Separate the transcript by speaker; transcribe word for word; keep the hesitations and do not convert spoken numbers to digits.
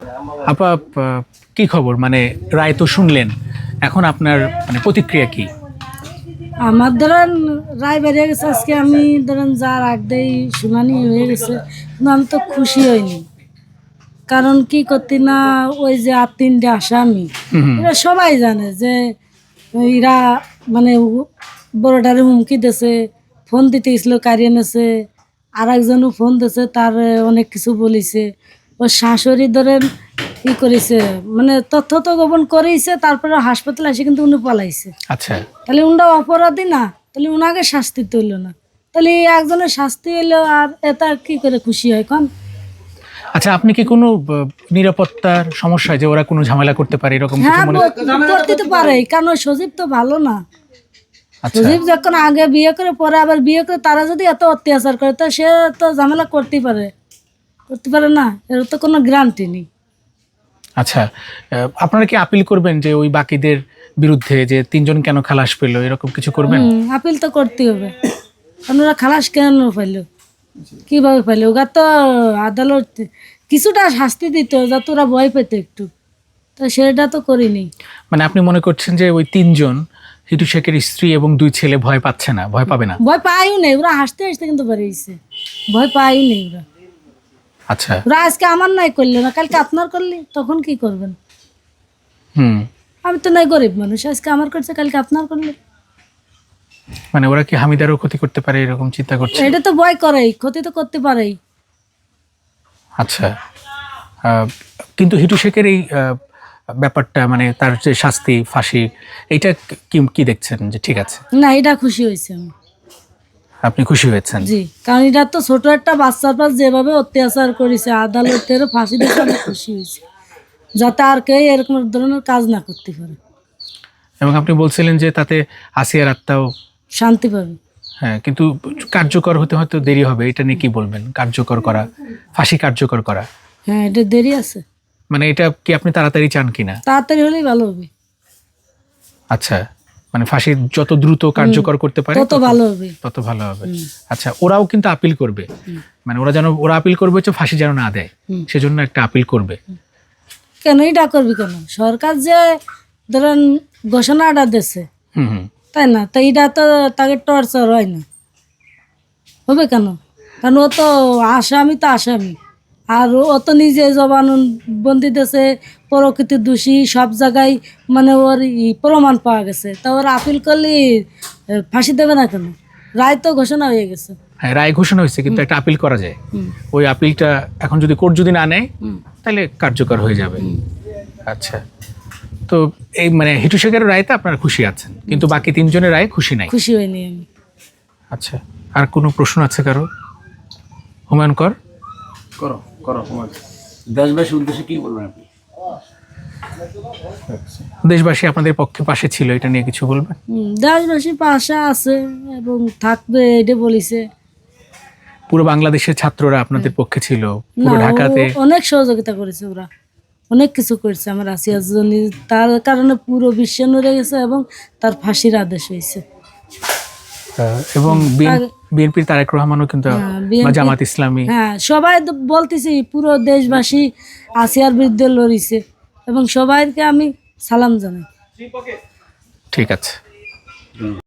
Speaker 1: আপা কি খবর, মানে রায় তো শুনলেন, এখন আপনার মানে প্রতিক্রিয়া কি?
Speaker 2: আমার ধরেন রায় বেরিয়ে গেছে আজকে, আমি ধরেন যার আগ দিয়েই শুনানি হয়ে গেছে, কিন্তু আমি তো খুশি হইনি। কারণ কি করতে না, ওই যে আর তিনটে আসামি, এরা সবাই জানে যে এরা মানে বড়টারে হুমকি দিয়েছে, ফোন দিতে গেছিল কারিয়ে নেছে, আর একজনও ফোন দিয়েছে, তার অনেক কিছু বলিছে। ওর শাশুড়ি ধরেন ই করেছে, মানে তথ্য তো গোপন করেইছে, তারপরে হাসপাতালে এসে কিন্তু উনি পলাইছে।
Speaker 1: আচ্ছা,
Speaker 2: তাহলে উনটা অপরাধী না, তাহলে উনাকে শাস্তি তুললো না, তাহলে এই একজনের শাস্তি হইলো আর এটা কি করে খুশি হয় কন?
Speaker 1: আচ্ছা, আপনি কি কোনো আহ, নিরাপত্তার সমস্যা, যে ওরা কোনো ঝামেলা করতে পারে এরকম কিছু
Speaker 2: হ্যাঁ,
Speaker 1: মনে?
Speaker 2: ব- করতে তো পারে, কারণ ওই সজীব তো ভালো না।
Speaker 1: আচ্ছা,
Speaker 2: সজীব যখন আগে বিয়ে করে পরে আবার বিয়ে করে, তারা যদি এত অত্যাচার করে তো সে তো ঝামেলা করতেই পারে, করতে পারে না, এর তো কোনো গ্যারান্টি নেই।
Speaker 1: আচ্ছা, আহ, আপনারা কি আপিল করবেন যে ওই বাকিদের বিরুদ্ধে, যে তিনজন কেন খালাস পেলো, এরকম কিছু করবেন?
Speaker 2: হুম, আপিল তো করতে হবে, কারণ ওরা খালাস কেন পাইলো, কিভাবে পাইলো? ওরা তো আদালত কিছুটা শাস্তি দিত যাতে ওরা ভয় পেত একটু, তো সেটা তো করিনি।
Speaker 1: মানে আপনি মনে করছেন যে ওই তিনজন, হিটু শেখের স্ত্রী এবং দুই ছেলে ভয় পাচ্ছে না, ভয় পাবে না?
Speaker 2: ভয় পাইও নেই, ওরা হাসতে হাসতে কিন্তু বেরিয়েছে, ভয় পাইও নেই ওরা।
Speaker 1: আচ্ছা,
Speaker 2: ওরা আজকে আমার নাই করলো না, কালকে আপনার করলে তখন কি করবেন?
Speaker 1: হুম,
Speaker 2: আমি তো নাই গরিব মানুষ, আজকে আমার করছে কালকে আপনার করলে।
Speaker 1: মানে ওরা কি হামিদারও ক্ষতি করতে পারে এরকম চিন্তা করছে?
Speaker 2: এটা তো ভয় করেই, ক্ষতি তো করতে পারেই।
Speaker 1: আচ্ছা, আহ, কিন্তু হিটু শেখের এই আহ, ব্যাপারটা, মানে তার যে শাস্তি, ফাঁসি, এইটা কি কি দেখছেন যে ঠিক আছে?
Speaker 2: না, এটা খুশি হয়েছে আমি।
Speaker 1: আপনি খুশি হয়েছেন?
Speaker 2: জি, কারণ এটা তো ছোট একটা বাচ্চার পাশ যেভাবে অত্যাচার করেছে, আদালতের ফাঁসি দিতে আমি খুশি হয়েছি, যাতে আর কেউ এরকম ধরনের কাজ না করতে পারে,
Speaker 1: এবং আপনি বলছিলেন যে তাতে আসিয়ার আত্মাও,
Speaker 2: শান্তি পাবে।
Speaker 1: হ্যাঁ, কিন্তু কার্যকর হতে হয়তো দেরি হবে, এটা নিয়ে কি বলবেন? কার্যকর করা, ফাঁসি কার্যকর করা,
Speaker 2: হ্যাঁ, এটা দেরি আছে,
Speaker 1: মানে এটা কি আপনি তাড়াতাড়ি চান কিনা?
Speaker 2: তাড়াতাড়ি হলেই ভালো হবে,
Speaker 1: আচ্ছা, মানে ফাঁসি যত দ্রুত কার্যকর করতে পারে
Speaker 2: তত ভালো হবে।
Speaker 1: তত ভালো হবে। আচ্ছা, ওরাও কিন্তু আপিল করবে, মানে ওরা যেন, ওরা আপিল করবে হচ্ছে ফাঁসি যেন না দেয়, সেজন্য একটা আপিল করবে।
Speaker 2: কেন এটা করবি কেন? সরকার যে ধরেন ঘোষণাটা দিছে,
Speaker 1: হুম হুম
Speaker 2: তাই না? তো এটা তো তাকে টর্চার হয় না, হবে কেন? কারণ ও তো আসামি, তো আসামি, আর ও তো নিজে জবানবন্দি দিয়েছে, প্রকৃতির দোষী, সব জায়গায় মানে ওর ই প্রমাণ পাওয়া গেছে, তা ওর আপিল করলে এ, ফাঁসি দেবে না কেন? রায় তো ঘোষণা হয়ে গেছে।
Speaker 1: হ্যাঁ, রায় ঘোষণা হয়েছে, কিন্তু একটা আপিল করা যায়।
Speaker 2: হুম।
Speaker 1: ওই আপিলটা এখন যদি কোর্ট যদি না নেয়,
Speaker 2: হুম।
Speaker 1: তাহলে কার্যকর হয়ে যাবে। আচ্ছা, তো এই মানে হিটু শেখের রায়তে আপনারা খুশি আছেন, কিন্তু বাকি তিনজনের রায়ে খুশি নাই।
Speaker 2: খুশি হয়নি আমি।
Speaker 1: আচ্ছা, আর কোনো প্রশ্ন আছে কারো? হুমায়ুন কর।
Speaker 3: করো করো তোমার দেশবাসীর উদ্দেশ্যে কি বলবেন আপনি?
Speaker 1: দেশবাসী আপনাদের পক্ষে পাশে ছিল, এটা নিয়ে কিছু বলবেন?
Speaker 2: হুম, দেশবাসী পাশে আছে এবং থাকবে, এটা বলিছে।
Speaker 1: পুরো বাংলাদেশের ছাত্ররা আপনাদের পক্ষে ছিল,
Speaker 2: না,
Speaker 1: পুরো ঢাকাতে
Speaker 2: ও অনেক সহযোগিতা করেছে, ওরা অনেক কিছু করেছে আমার আসিয়ার জন্য, তার কারণে পুরো বিশ্ব নড়ে গেছে এবং তার ফাঁসির আদেশ হয়েছে।
Speaker 1: আহ, এবং বিএনপির তারেক রহমানও কিন্তু,
Speaker 2: হ্যাঁ,
Speaker 1: বা
Speaker 2: বিএনপি,
Speaker 1: জামাত ইসলামী,
Speaker 2: হ্যাঁ, সবাই তো বলতেছি, পুরো দেশবাসী আসিয়ার বিরুদ্ধে লড়িছে এবং সবাইকে আমি সালাম জানাই।
Speaker 1: ঠিক আছে।